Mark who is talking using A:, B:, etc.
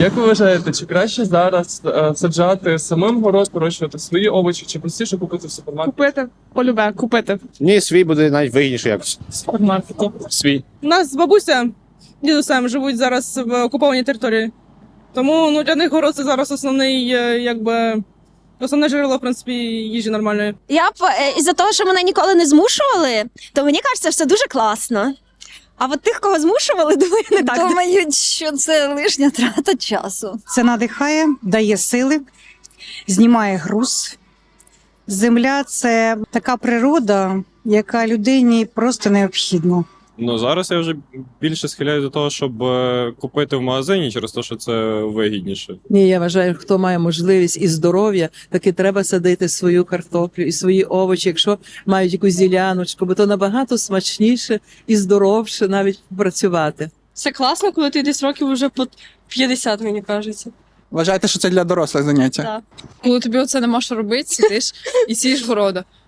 A: Як ви вважаєте, чи краще зараз саджати самим город, вирощувати свої овочі, чи простіше купити в супермаркеті?
B: Купити, полюбе, купити
C: Ні, свій буде навіть вигідніше якось.
B: в супермаркеті.
C: Свій.
B: У нас бабуся дідусем живуть зараз в окупованій території. Тому для них город це зараз основний, основне джерело, в принципі, їжі нормальної.
D: Я б із-за того, що мене ніколи не змушували, то мені кажеться, все дуже класно. А от тих, кого змушували, думаю, не так.
E: Думають, що це лишня трата часу.
F: Це надихає, дає сили, знімає груз. Земля – це така природа, яка людині просто необхідна.
G: Ну, зараз я вже більше схиляю до того, щоб купити в магазині через те, що це вигідніше.
H: Ні, я вважаю, хто має можливість і здоров'я, таки треба садити свою картоплю і свої овочі, якщо мають якусь діляночку, бо то набагато смачніше і здоровше навіть працювати.
I: Це класно, коли ти десь років вже по 50, мені кажеться.
J: Вважаєте, що це для дорослих заняття?
I: Так.
K: Коли тобі оце нема що робити, сидиш і сієш города.